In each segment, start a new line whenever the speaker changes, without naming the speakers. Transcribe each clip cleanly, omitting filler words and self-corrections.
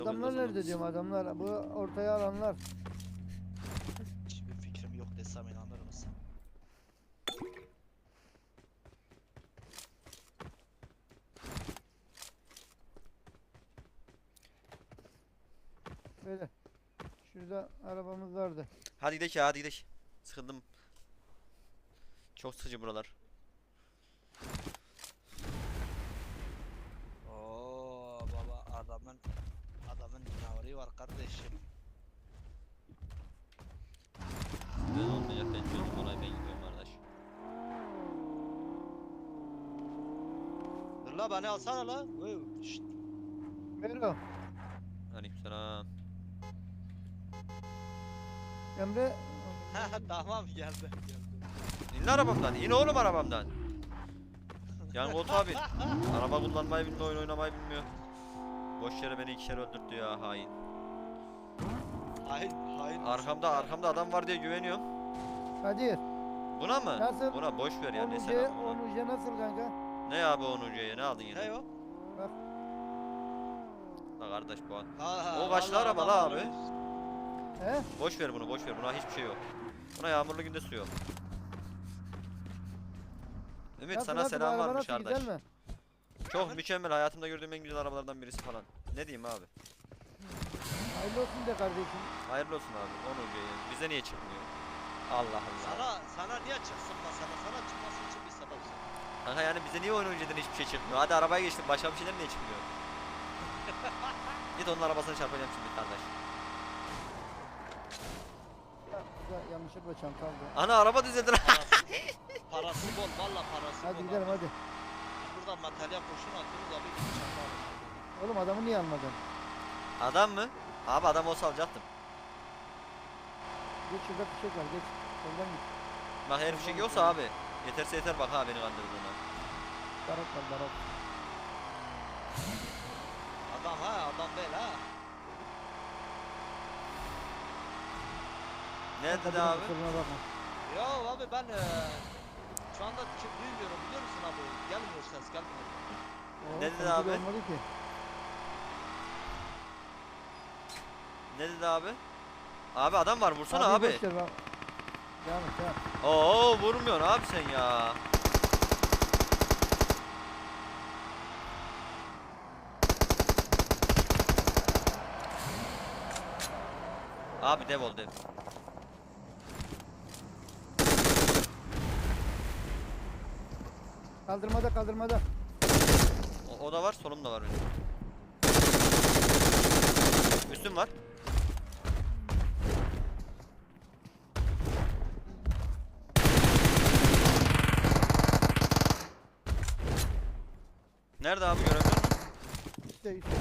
Adamlar nerede diyorum, adamlar bu ortaya alanlar.
Hiçbir fikrim yok desem inanır mısın?
Böyle. Şurada arabamız vardı.
Hadi gidelim ya, hadi gidelim. Sıkıldım. Çok sıkıcı buralar.
Oo baba adamın canavarı var kardeşim.
Ben olmayacak, ben çözüm olay, ben gidiyorum kardeş.
Dur la beni alsana la. Şşt.
Mero,
Aleykümselam.
Emre.
Tamam geldi.
İn arabamdan, in oğlum arabamdan. Yan koltuğa bin. Araba kullanmayı bilmiyor, oyun oynamayı bilmiyor. Boş yere beni 2 kere öldürttü ya, hain.
Hain.
Arkamda adam var diye güveniyorum.
Kadir.
Buna mı?
Nasıl?
Buna boş ver ya, ne
Onuce,
selam buna.
Onuce nasıl kanka?
Ne abi Onurcu'ya, ne aldın yine?
Ne o?
La kardeş bu an.
Ha,
O kaçlı
vallahi
araba la
adamlar
abi.
öyle.
He?
Boş ver bunu, boş ver, buna hiçbir şey yok. Buna yağmurlu günde su yok. Ümit
Nasıl,
sana
nasıl, bu
selam
araba
varmış
nasıl,
kardeş.
güzel mi?
Çok mükemmel, hayatımda gördüğüm en güzel arabalardan birisi falan. Ne diyeyim abi?
Hayırlı olsun de kardeşim.
Hayırlı olsun abi. Onurcu'ya. Bize niye çıkmıyor? Allah Allah.
Sana niye çıksın mesela? Sana çıkması için bir sebep söyle.
Kanka yani bize niye Onurcu'dan hiçbir şey çıkmıyor? Hadi arabaya geçtim, başka bir şeyler niye çıkmıyor? Git onun arabasını çarpacağım şimdi kardeş.
Ya, güzel, yanlışlıkla çanta aldı.
Ana araba düzeldi lan.
Parası bol valla parası
Hadi
bol.
gidelim hadi.
Buradan materyal kurşun atıyoruz abi gidip çanta alırız.
Oğlum adamı niye almadın?
Adam mı? Abi adam olsa alacaktım.
Geç, şurada fişek var, geç. Soldan git.
Bak her fişek yoksa abi. Yeterse yeter, bak ha beni kandırdığına.
Barak var, barak.
Adam değil ha.
Ne dedi
Kadir'in
abi?
kusuruna bakma.
Ya abi ben şu anda duymuyorum biliyor musun abi? Gelmiyor ses gelmiyor.
Oo,
Ne dedi
sanki
abi?
olmadı ki.
Ne dedi abi? Abi adam var, vursana abi.
Boş ver bak. Devam et, devam.
Oo vurmuyorsun abi sen ya. Abi dev ol dev.
Kaldırmada, kaldırmada.
O da var, solum da var benim. Üstüm var. Nerede abi, görebiliyor musun?
İşte, işte.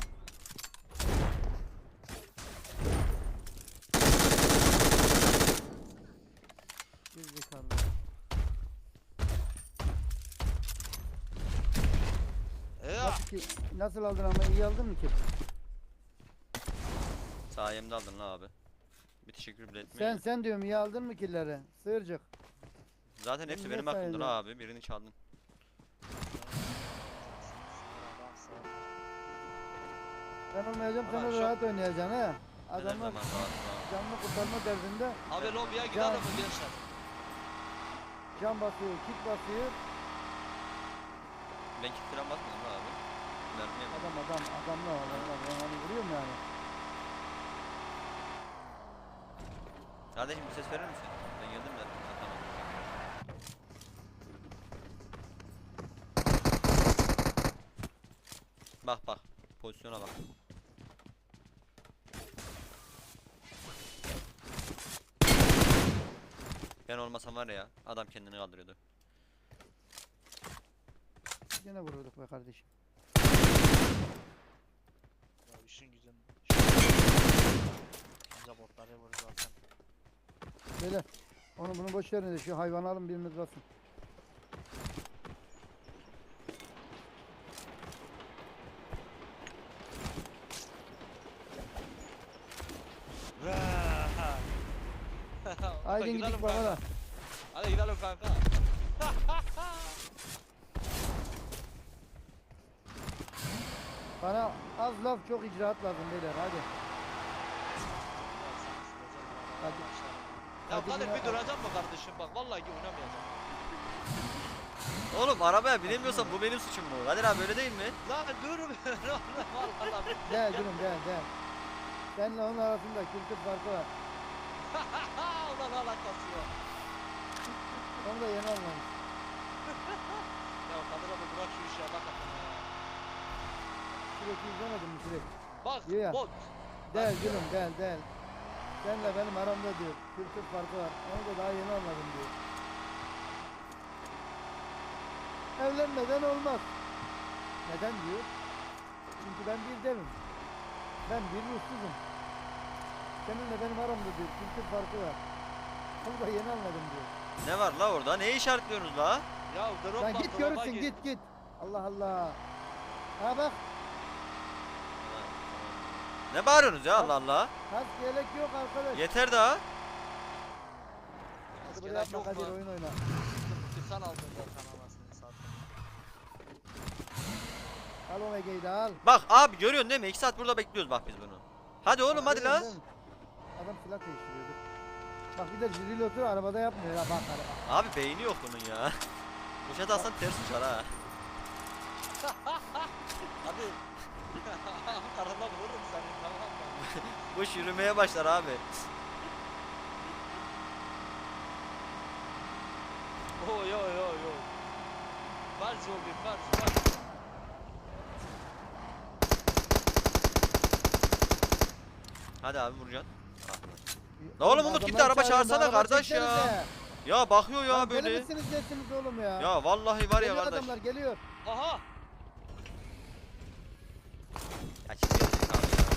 Gerizekalı. Nasıl aldın ama, iyi aldın mı ki?
Sayemde aldın la abi. Bir teşekkür bile etmiyor.
Sen diyorum, iyi aldın mı killeri? Sığırcık.
Zaten hepsi
Niye
benim aklımda
sayedin?
la abi. Birini çaldın.
Ben olmayacağım,
Ulan
sana
şu-
rahat oynayacaksın ha.
Her
Adamlar
zaman rahat.
canlı kurtarma derdinde
Abi lobiye gidelim mi gençler?
can basıyor, kit basıyor.
Ben kit falan basmadım la abi. Mermi yemedim.
Adamlar ben onu vuruyorum yani.
Kardeşim bir ses verir misin? Ben geldim de. Ha, tamam. Bak bak. Pozisyona bak. Ben olmasam var ya, adam kendini kaldırıyordu.
Yine vururduk be kardeşim.
Ya işin güzel. Bize botları vurur zaten.
Böyle bunu boş verin de şu hayvanı alın, biriniz basın. Haydi
Gidelim
gidik
kanka.
bana.
Hadi gidelim kanka.
Bana Az laf çok icraat lazım beyler hadi. Hadi.
Ya
Hadi
Kadir
yine-
bir duracak mı kardeşim bak vallahi oynamayacağım.
Oğlum arabaya binemiyorsan bu benim suçum mu? Kadir abi öyle değil mi?
Lan dur vallahi.
Gel gülüm gel. Seninle onun arasında kültür farkı var.
Ulan alakası yok.
Onu da yeni anlamış.
Ya Kadir abi bırak şu işi Allah katına ya.
Sürekli izlemedin mi sürekli?
Bak
Diyor ya.
bot.
Del gülüm del. Seninle benim aramda diyor kültür farkı var. Onu da daha yeni anladım diyor. Evlenmeden olmaz. Neden diyor? Çünkü ben bir devim. Ben bir ruhsuzum. Seninle benim aramda diyor kültür farkı var. Onu da yeni anladım diyor.
Ne var la orada? Neyi işaretliyorsunuz la?
Ya drop
Lan
bak,
git
drop'a
görürsün git. Allah Allah. Ha bak
Ne bağırıyorsunuz ya Allah Allah?
kask yelek yok arkadaş.
Yeter daha.
Hadi
Gerek
böyle yapma
yok
Kadir
mu?
oyun oyna.
Sen aldın zaten anasını satayım.
Al Omega'yı da al.
Bak abi görüyorsun değil mi? 2 saat burada bekliyoruz bak biz bunu. Hadi oğlum hadi la.
Değil mi? Adam silah değiştiriyordu. Bak bir de jüriyle otur arabada yapmıyor ya bak araba.
Abi beyni yok bunun ya. Poşet alsan ters uçar ha.
Hadi. Karında vururum seni tamam mı?
Bu yürümeye başlar abi.
Yo. Ver zombi ver.
Hadi abi vuracaksın. La oğlum Umut gitti, araba çağırsana kardeş ya. Ya bakıyor ya
Böyle
böyle.
misiniz nesiniz oğlum ya?
Ya vallahi var ya
Geliyor
kardeş.
adamlar geliyor.
Aha.
Ya şimdi gelecek abi ya.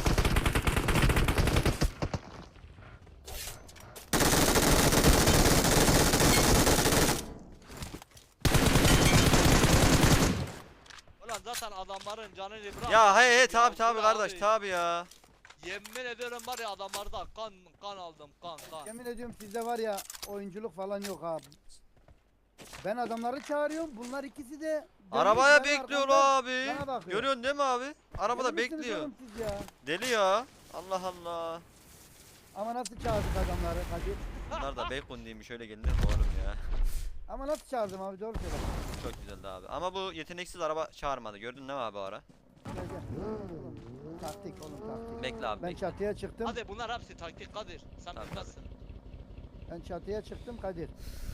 Ulan zaten adamların canını bırak.
Ya he tabi
Ya,
tabi
dur
kardeş
abi.
tabi ya.
Yemin ediyorum var ya adamlarda kan aldım kan.
Yemin ediyorum sizde var ya oyunculuk falan yok abi. Ben adamları çağırıyorum. Bunlar ikisi de
Arabaya
dönmüş, ben
bekliyor
arkamda
abi.
bana bakıyor.
Görüyorsun değil mi abi? Arabada
Deli misiniz
bekliyor.
oğlum siz ya?
Deli ya. Allah Allah.
Ama nasıl çağırdık adamları Kadir?
Bunlar da bacon değilmiş, öyle gelinir mi oğlum ya?
Ama nasıl çağırdım abi doğru söyle.
Çok güzeldi abi. Ama bu yeteneksiz araba çağırmadı. Gördün değil mi abi o ara?
Gel. Oğlum, taktik oğlum taktik.
Bekle abi
Ben
bekle.
çatıya çıktım.
Hadi bunlar hepsi taktik Kadir. Sen
Tabii,
bilmezsin.
Ben çatıya çıktım Kadir.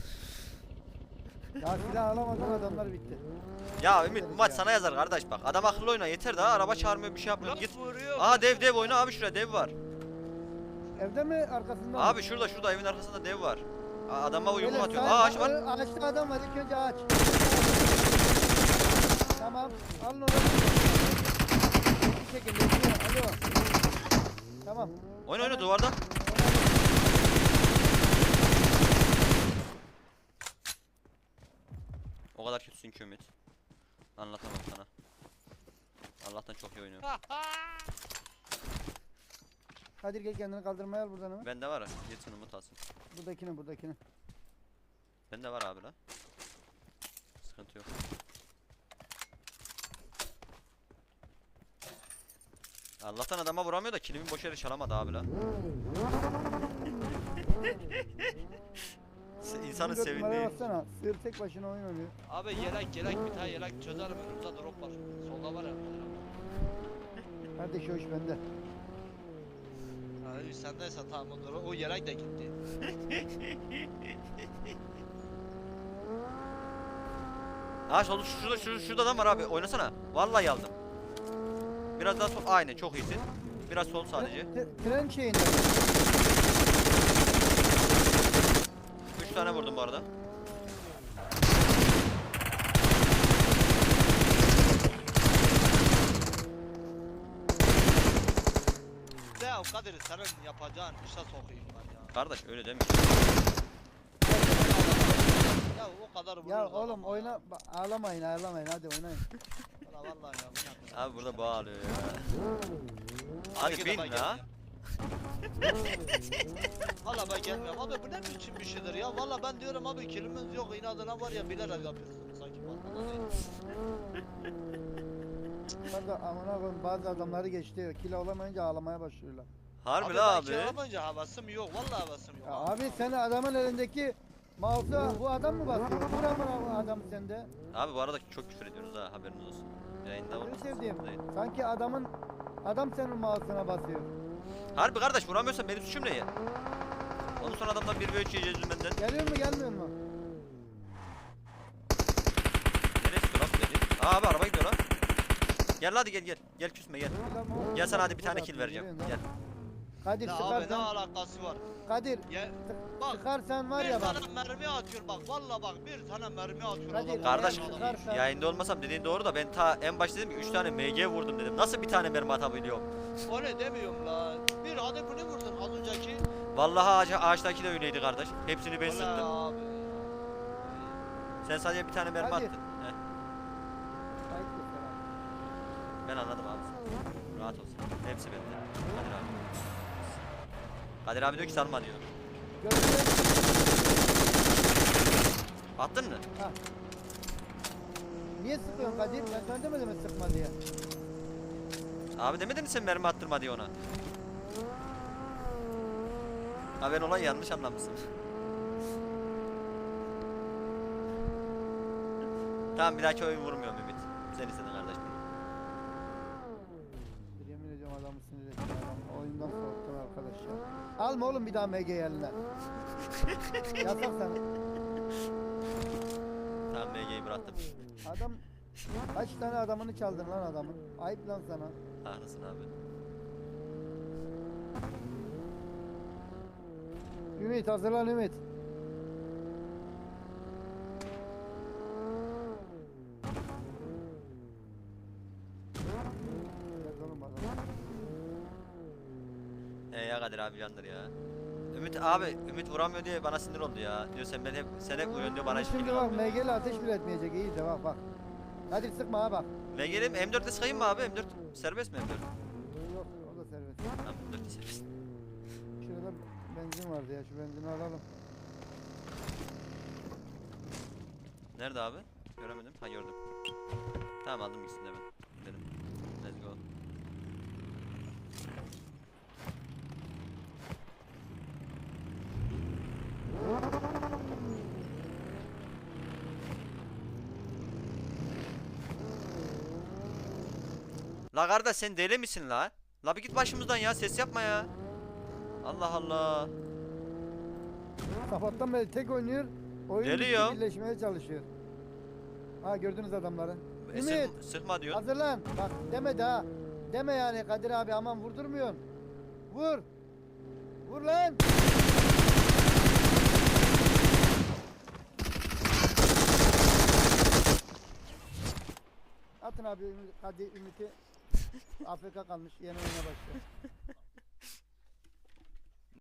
Ya silah alamadan adamlar bitti.
Ya Ümit bu maç sana yazar kardeş bak. Adam akıllı oyna yeter daha, araba çağırmıyor bir şey yapmıyor.
Ulan
Git.
vuruyor.
Aha dev oyna abi, şuraya dev var.
Evde mi arkasında mı?
Abi şurada evin arkasında dev var. Adama yumruk
Beyler,
atıyor.
sağ-
Aa ağaç var.
Ağaçta adam var ilk önce ağaç. Tamam alın onu. Bir şekilde alo. Tamam.
Oyna duvarda. O kadar kötüsün ki Ümit. Anlatamam sana. Allah'tan çok iyi oynuyor.
Kadir gel kendini kaldırmaya al buradan hemen.
Bende var ha. Yetin Umut alsın.
Buradakini.
Bende var abi la. Sıkıntı yok. Allah'tan adama vuramıyor da kilimi boş yere çalamadı abi la. İnsanın
Dört numaraya
sevindiği.
baksana. Sığır tek başına oyun oynuyor.
Abi yelek bir tane yelek çözerim önümüzde drop var. Solda var ya.
Kardeş o iş bende.
Abi sendeyse tamam o drop. O yelek de gitti.
Ha şurada adam var abi, oynasana. Vallahi aldım. Biraz daha sol, aynen çok iyisin. Biraz sol sadece.
Tren şeyinde.
3 tane vurdum bu arada.
De ya Kadir senin yapacağın işe sokayım ben ya.
Kardeş öyle deme.
Ya o kadar vururuz
Ya
adama
oğlum
ya.
oyna ağlamayın hadi oynayın.
Valla vallahi ya bu ne yapacağım?
Abi burada bağırıyor ya.
Abi
Hadi
iki
bin
defa
la.
gelmiyorum. Valla ben gelmiyorum abi bu ne biçim bir şeydir ya. Valla ben diyorum abi kilimiz yok inadına var ya bilerek yapıyorsunuz sanki bana değil.
Bunlar da amına koyayım bazı adamları geçti. Kilo olamayınca ağlamaya başlıyorlar.
Harbi
Abi
la
ben
abi.
kiralamayınca havasım yok. Vallahi havasım yok.
Ya abi sen adamın elindeki mouse'a bu adam mı basıyor? Vur amına adam sende.
Abi bu arada çok küfür ediyorsunuz ha, haberiniz olsun. Yayında
Ne
olmasın.
sevdiğim.
Değil.
Sanki adam senin mouse'una basıyor.
Harbi kardeş, vuramıyorsan benim suçum ne ya? Ondan sonra adamdan 1v3 yiyeceğiz benden.
Geliyor mu gelmiyor mu?
Neresi dur abi dedi. Aa abi araba gidiyor lan. Gel hadi gel. Gel küsme gel. Gel sana hadi bir tane kill vereceğim. Gel.
Kadir
Ne abi ne
sıkarsan,
alakası var?
Kadir
Ya bak
sıkarsan var
bir
ya bak.
tane mermi atıyor bak. Vallahi bak bir tane mermi atıyor
Hadi,
adam.
Kardeş
eğer sıkarsan-
yayında olmasam dediğin doğru da ben ta en başta dedim ki 3 tane MG vurdum dedim. Nasıl bir tane mermi atabiliyorum?
O ne demiyorum la. Bir hadi bunu vurdun az önceki.
Vallahi ağaçtaki de öyleydi kardeş. Hepsini ben
Ulan
sıktım.
abi.
Sen sadece bir tane mermi
Hadi.
attın. Heh,
Kayıt göster abi.
ben anladım abi. Rahat olsun. Hepsi bende. Kadir abi. Kadir abi diyor ki salma diyor.
Göster.
Attın mı?
Ha. Niye sıkıyorsun Kadir? Ben sana demedim mi sıkma diye.
Abi demedin mi sen mermi attırma diye ona? Ha ben olayı yanlış anlamışsın. Tamam bir dahaki oyun vurmuyorum Ümit. Sen istedin kardeş.
Yemin ediyorum adamı sinir ettim adam. Oyundan soğuttun arkadaş ya. Alma oğlum bir daha MG eline. Yasak sana.
Tamam MG'yi bıraktım.
Adam kaç tane adamını çaldın lan adamın. Ayıp lan sana.
Haklısın abi.
Ümit hazırlan Ümit. Gel oğlum bakalım.
Ya Kadir abi yandır ya. Ümit abi Ümit vuramıyor diye bana sinir oldu ya. Diyor sen hep vuruyorsun diyor bana hiç
Şimdi
kill
bak
almıyor.
MG'li ateş bile etmeyecek iyi de bak bak. Hadi sıkma ha bak.
MG'lim M4'e sıkayım mı abi? M4 serbest mi M4?
Yok o da serbest.
Tamam M4 serbest.
Şurada benzin vardı ya şu benzini alalım.
Nerede abi? Göremedim. Ha gördüm. Tamam aldım ikisini de ben. Gidelim. Let's go. La kardeş sen deli misin la? La bir git başımızdan ya, ses yapma ya. Allah Allah.
Sabahtan beri tek oynuyor. Oyun
Deli
bitti,
ya.
birleşmeye çalışıyor. Ha gördünüz adamları. Ümit
Sıkma diyor.
hazırlan. Bak demedi ha. Deme yani Kadir abi aman vurdurmuyorsun. Vur. Vur lan. Atın abi Kadir Ümit'i. AFK kalmış yeni oyuna başlıyor.